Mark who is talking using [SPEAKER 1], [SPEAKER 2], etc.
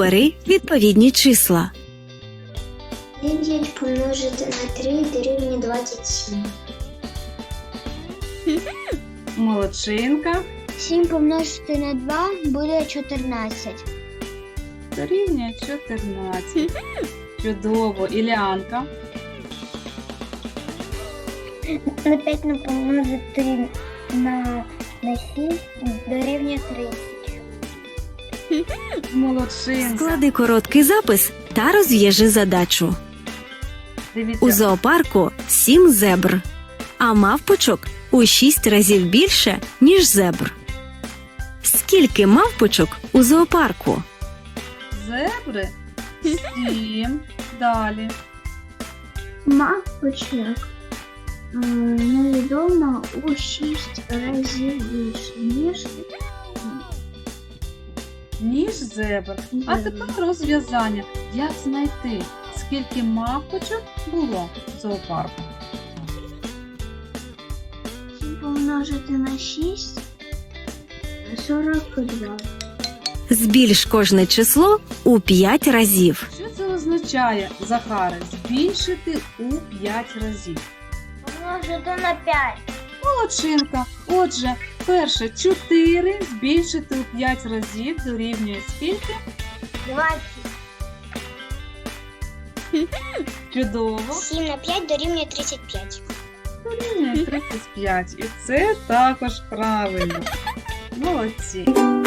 [SPEAKER 1] Обери відповідні числа.
[SPEAKER 2] 9 помножити на 3 дорівнює 27.
[SPEAKER 3] Молодчинка.
[SPEAKER 2] 7 помножити на 2 буде 14.
[SPEAKER 3] Дорівнює 14. Чудово. Ілянка.
[SPEAKER 2] На 5 не помножити на 7 дорівнює 30.
[SPEAKER 3] Молодчинка.
[SPEAKER 1] Склади короткий запис та розв'яжи задачу.
[SPEAKER 3] Дивіться.
[SPEAKER 1] У зоопарку 7 зебр, а мавпочок у 6 разів більше, ніж зебр. Скільки мавпочок у зоопарку?
[SPEAKER 3] Зебри 7. Далі.
[SPEAKER 2] Мавпочок невідомо у 6 разів більше,
[SPEAKER 3] Ніж зебр. А тепер розв'язання. Як знайти, скільки мавпочок було в зоопарку?
[SPEAKER 2] 7 помножити на 6 42.
[SPEAKER 1] Збільш кожне число у 5 разів.
[SPEAKER 3] Що це означає, Захаре? Збільшити у 5 разів.
[SPEAKER 2] Помножити на 5.
[SPEAKER 3] Молодчинка. Отже, перше 4 збільшити у 5 разів дорівнює скільки?
[SPEAKER 2] 20.
[SPEAKER 3] Чудово.
[SPEAKER 2] 7 на 5 дорівнює 35.
[SPEAKER 3] Дорівнює 35. І це також правильно. Молодці.